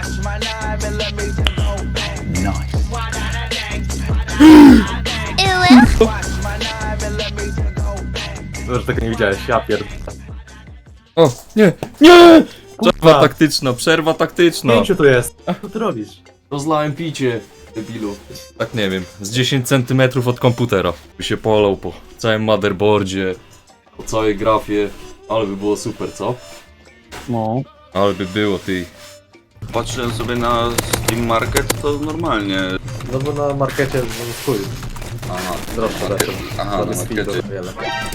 Nice. Że tego nie widziałeś, ja pierdolę. O, nie, nie! Przerwa taktyczna, przerwa taktyczna. Pięciu tu jest. Co ty robisz? Rozlałem picie, debilu. Tak nie wiem, z 10 cm od komputera. By się polał po całym motherboardzie, po całej grafie. Ale by było super, co? No. Ale by było, ty. Patrzyłem sobie na Steam Market, to normalnie. No bo na markecie chuj. Aha, Droższe lepsze. aha, na speedo markecie. wiele.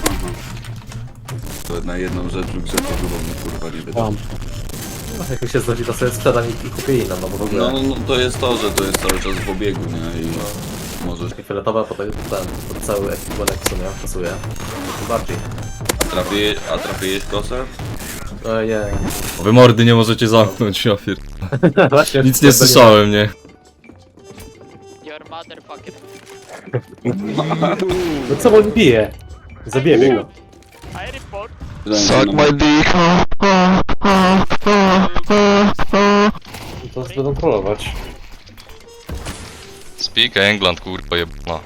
To na jedną rzecz w grze to chyba mnie kurwa nie wyda. Tam. No, jak mi się zgodzi, to sobie sprzedam i kupię inną, no bo w ogóle... No to jest to, że to jest cały czas w obiegu, nie? I możesz... Takie fioletowe, potem ten cały ekwipunek w sumie pasuje. To bardziej. A trafiłeś kosę? Ojej. Wy mordy nie możecie zamknąć, ofiar. Właśnie. Nic nie słyszałem, nie? Your motherfucker. No co on bije? Zabijemy go. I report. Suck my dick. To nas będą trollować. Speak England, kurwa jebana.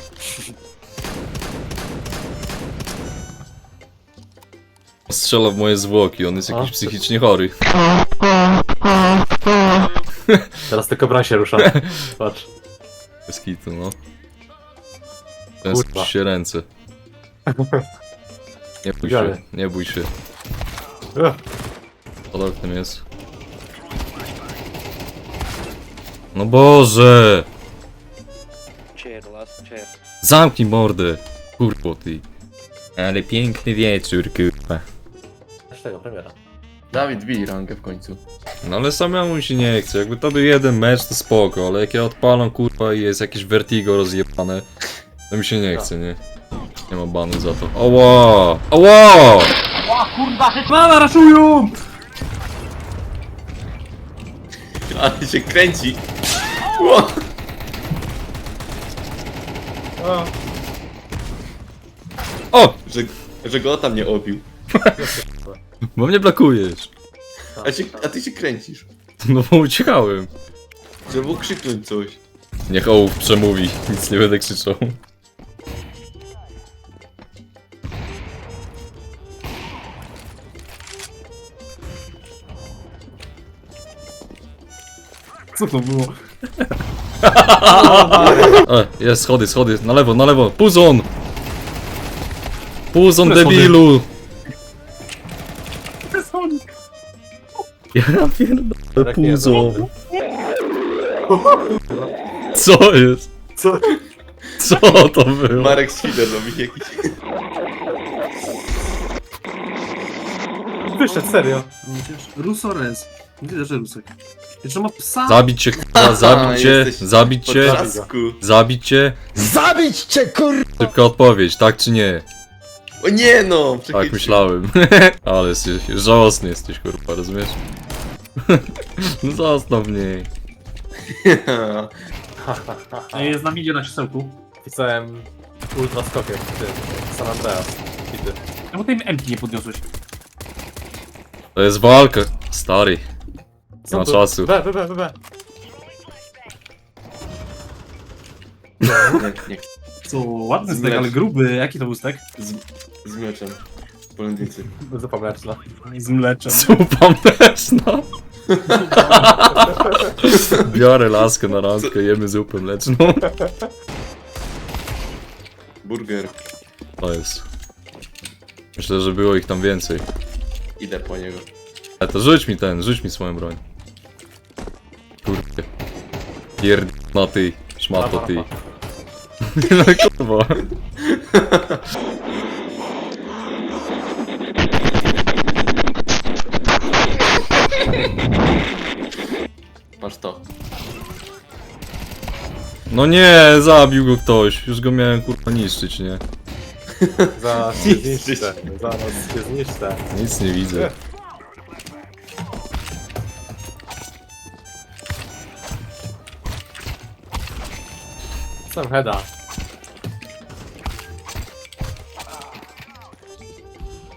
Strzela w moje zwłoki, on jest jakiś psychicznie chory. Teraz tylko broń się rusza. Patrz. Bez kitu, no. Tęsknić Kurwa. się ręce. Nie bój się, Dalej. nie bój się. Ugh. Pod oknem jest. No Boże! Chair, last chair. Zamknij mordę! Kurwo ty. Ale piękny wieczór, kurwa. Aż tego, premiera. Dawid, bij rangę w końcu. No ale samemu mi się nie chce, jakby to był jeden mecz to spoko, ale jak ja odpalam kurwa i jest jakieś vertigo rozjebane, to mi się nie chce, nie? Nie ma banu za to. Oła! Oła! Mama, raszują! Ale się kręci. Ło! O! Że go tam nie obił. Bo mnie blokujesz. A ty się kręcisz. No bo uciekałem. Żeby mógł krzyknąć coś. Niech ołów przemówi, nic nie będę krzyczał. Co to było? Jest, schody, na lewo, Puzon! Puzon debilu! Ja pierdolę, Puzon! Co jest? Co? Co to było? Marek Świder robi jakiś... Wyszedł, serio. Rusores. Widzę, że Rusek. Jeszcze ma psa. Zabić cię, kurwa, zabić cię, jesteś zabić cię, Potrzasku. zabić cię. Zabić cię, kur... Szybka odpowiedź, tak czy nie? O nie no! Tak Przechytrzył. myślałem. Ale jesteś, żałosny jesteś, kurwa, rozumiesz? No zostaw mnie. Jest na midzie na krzesełku. Pisałem ultra skokiem, ty. San Andreas. Bity. Czemu tej M-ki nie podniosłeś? To jest walka, stary. Nie ma czasu. B. Nie, Co, ładny stek, Zmlecz. ale gruby. Jaki to był stek? z mieczem. Polędnicy. Zupa mleczna. Z mleczem. Zupa mleczna. Biorę laskę na randkę, jemy zupę mleczną. Burger. To jest. Myślę, że było ich tam więcej. Idę po niego. Ale to rzuć mi swoją broń. Kurde. No ty, szmato ty. No kurwa. Masz to. No nie, zabił go ktoś. Już go miałem kurwa niszczyć, nie? Zaraz się zniszczę. Zaraz się zniszczę. Nic nie widzę. Sam heada.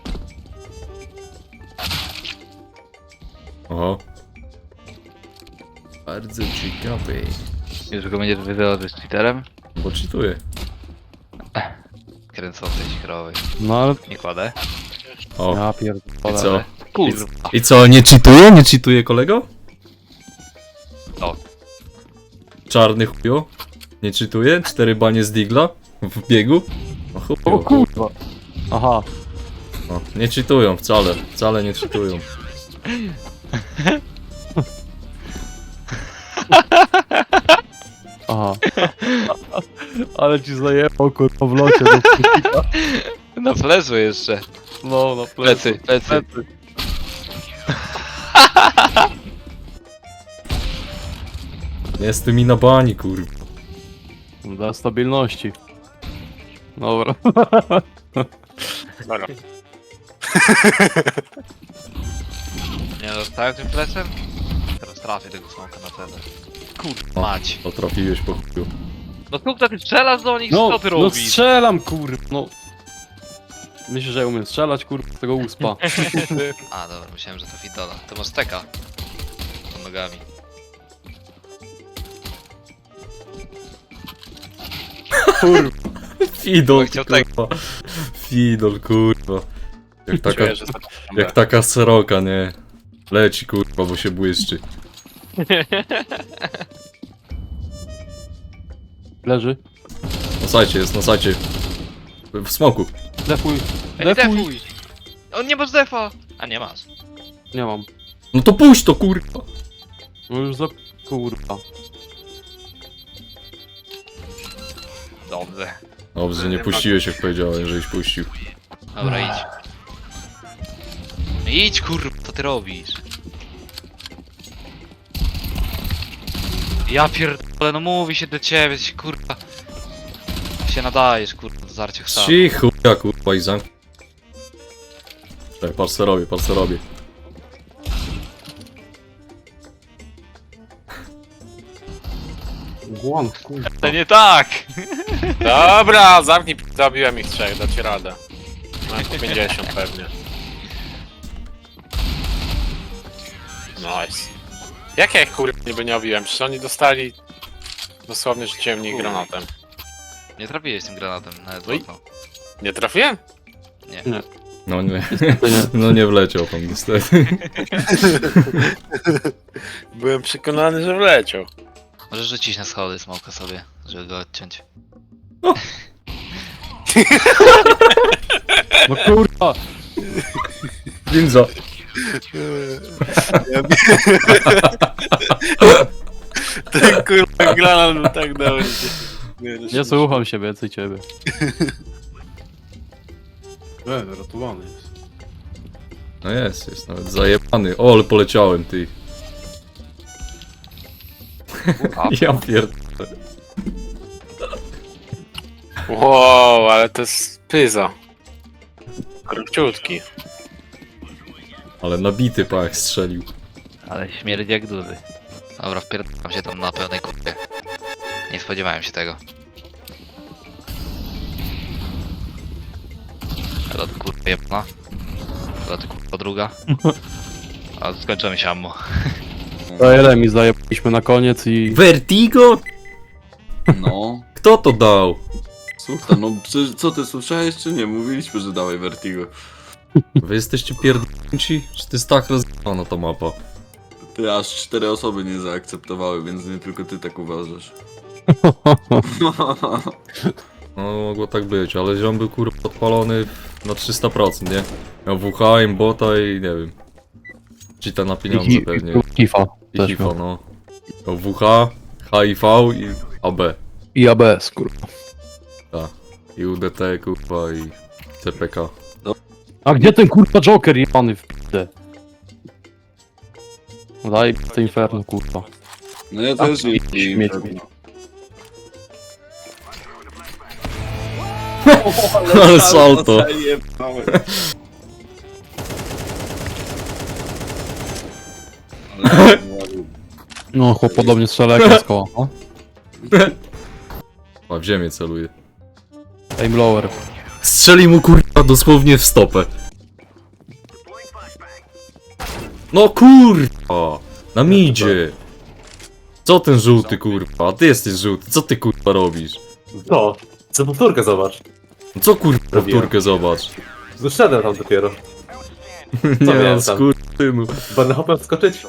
Oho. Bardzo ciekawe. Już go będziesz wyzywał, że jest cheaterem? Bo cheatuję. Kręcącej się krowy. No ale Nie kładę. O, ja i pierdolę. co? Kurwa. I co, nie cheatuje? Nie cheatuje kolego? No. Czarny chujo? Nie cheatuje? 4 banie z digla? W biegu? No chujo. O kurwa. Aha. No, nie cheatują wcale. Wcale nie cheatują. Aha. Ale ci zajebał kurwa w locie. Na flesu jeszcze. No, no Plecy, plecy. Nie z tymi na bani, kurwa. Dla stabilności. Dobra. Nie dostałem tym plecem? Teraz trafię tego smoka na cenę. Kurwa mać. To trafiłeś po chuju. No kurwa, ty strzelasz do nich, No, co ty no robisz? strzelam kurwa. No. Myślisz, że ja umiem strzelać kurwa z tego uspa. A dobra, myślałem, że to Fidola. To masz steka. Pod nogami. Kurwa. Fidol, Chciał tak. kurwa. Fidol, kurwa. Jak taka, Czuję, że to... jak taka seroka, nie? Leci, kurwa, bo się błyszczy. Leży. Na sajcie jest, na sajcie. W smoku. Defuj. Ej, Defuj. defuj! On nie masz defa! A nie masz. Nie mam. No to puść to, kurwa. No już za... Kurwa. Dobrze. Dobrze, że nie puściłeś, jak powiedziałem, żeś puścił. Dobra, idź. No idź kurwa, co ty robisz? Ja pierdolę, no mówi się do ciebie, się kurwa. Się nadajesz kurwa do zarcia chsaru. Cicho, ja kurwa i zamk... Tak, patrz co robię, patrz co robię. Głon, kurwa. To nie tak! Dobra, zamknij, zabiłem ich trzech, dacie radę. Mam po 50 pewnie. Nice. Jak ja ich kurwa niby nie obiłem? Przecież oni dostali... Dosłownie rzuciłem w nich granatem. Nie trafiłeś tym granatem, nawet Oj. okno. Nie trafiłem? No nie, no nie wleciał tam niestety. Byłem przekonany, że wleciał. Możesz rzucić na schody smoka sobie, żeby go odciąć. No kurwa. Ninja. Ten kurwa granat był tak dobry. Nie słucham się więcej ciebie. Ratowany jest. No jest nawet zajebany. O, ale poleciałem, ty. Ja pierdolę. Wow, ale to jest pyza. Króciutki. Ale nabity pa jak strzelił. Ale śmierdzi jak duży. Dobra, wpierdalam się tam na pełnej kurwie. Nie spodziewałem się tego. Ale to kurwa jebna. Ale to kurwa druga. A skończyło mi się ammo. To ile mi zajebaliśmy na koniec i... Vertigo? No. Kto to dał? Słuchaj, no przecież co ty słyszałeś czy nie? Mówiliśmy, że dawaj Vertigo. Wy jesteście pierdolnici? Czy to jest tak rozjebana ta mapa? Ty aż 4 osoby nie zaakceptowały, więc nie tylko ty tak uważasz. No mogło tak być, ale ziom był kurwa odpalony na 300%, nie? Miał WH, aimbota i nie wiem. Cheata na pieniądze pewnie. Kifa. I Też HIFO, miał. no. Miał WH, HIV i AB. I ABS, kurwa. Tak. I UDT kurwa i CPK. A gdzie ten kurwa Joker jebany w p***e? Daj to inferno, kurwa. No ja też nie śmieci. Ale salto. No, chłop podobnie strzela jak z koła. No. A w ziemię celuje. Aim lower. Strzeli mu kurwa dosłownie w stopę. No kurwa! Na midzie! Co ten żółty kurwa? A ty jesteś żółty, co ty kurwa robisz? No, co powtórkę zobacz. No co kurwa Robiłem. powtórkę zobacz? Wyszedłem tam dopiero. Nie miałem no, tam? skurtynu. Będę hopem wskoczyć.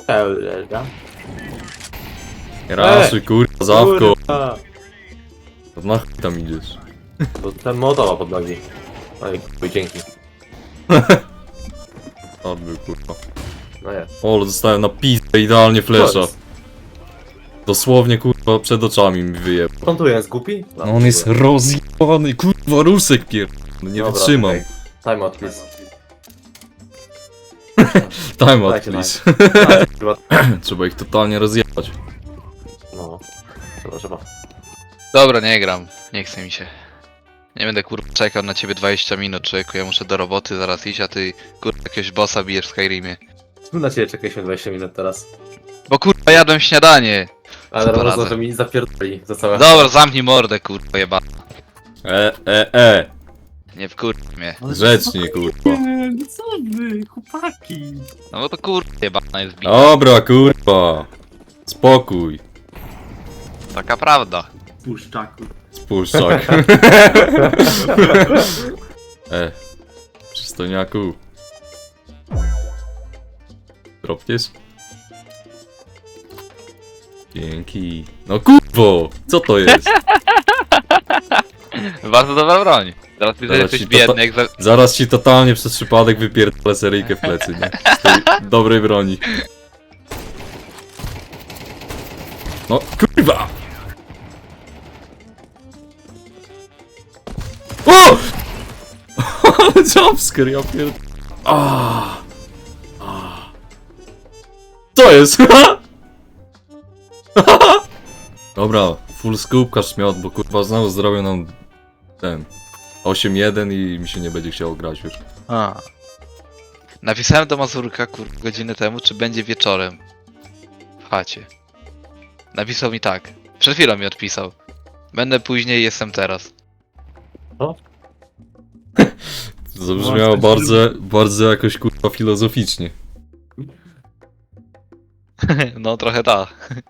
Raszuj kurwa, zawko. Kurwa. Na chuj tam idziesz? Bo ten motowa pod nogi. Oj, chuj, dzięki. On był kurwa. No jest. O, ale dostałem na pizdę idealnie flesza. Dosłownie kurwa przed oczami mi wyjebał. On tu jest głupi? No on jest rozjebany, kurwa rusek pier... No nie Dobra, wytrzymam. okej. Time out, please. Time out Dajcie please. Dajcie, kurwa. Trzeba ich totalnie rozjebać. No. Trzeba. Dobra, nie gram. Nie chce mi się. Nie będę kurwa czekał na ciebie 20 minut, człowieku. Ja muszę do roboty zaraz iść, a ty kurwa jakiegoś bossa bijesz w Skyrimie. Na ciebie czekaliśmy 20 minut teraz. Bo kurwa jadłem śniadanie. Ale Co można, poradzę? że mi zapierdoli za całe... Dobra, zamknij mordę kurwa jeba. Nie wkurw mnie. Ale Grzecznie kurwa. Nie, no co wy, chłopaki? No bo to kurwa jebana jest bita. Dobra kurwa. Spokój. Taka prawda. Puszczaku. Spuszczak. Przystojniaku. Dropniesz? Dzięki. No kurwo! Co to jest? Bardzo dobra broń. Teraz widzę, że Zaraz jesteś ci biedny jak za... Zaraz ci totalnie przez przypadek wypierdolę seryjkę w plecy, nie? Z tej dobrej broni. No kurwa! O! Jumpscare, ja pierd... Co jest? Dobra, full scoop każ miot, bo kurwa znowu zrobią nam ten 8-1 i mi się nie będzie chciało grać już. A. Napisałem do Mazurka kurwa godzinę temu, czy będzie wieczorem. W chacie. Napisał mi tak. Przed chwilą mi odpisał. Będę później, jestem teraz. To zabrzmiało bardzo jakoś kurwa filozoficznie. No trochę tak.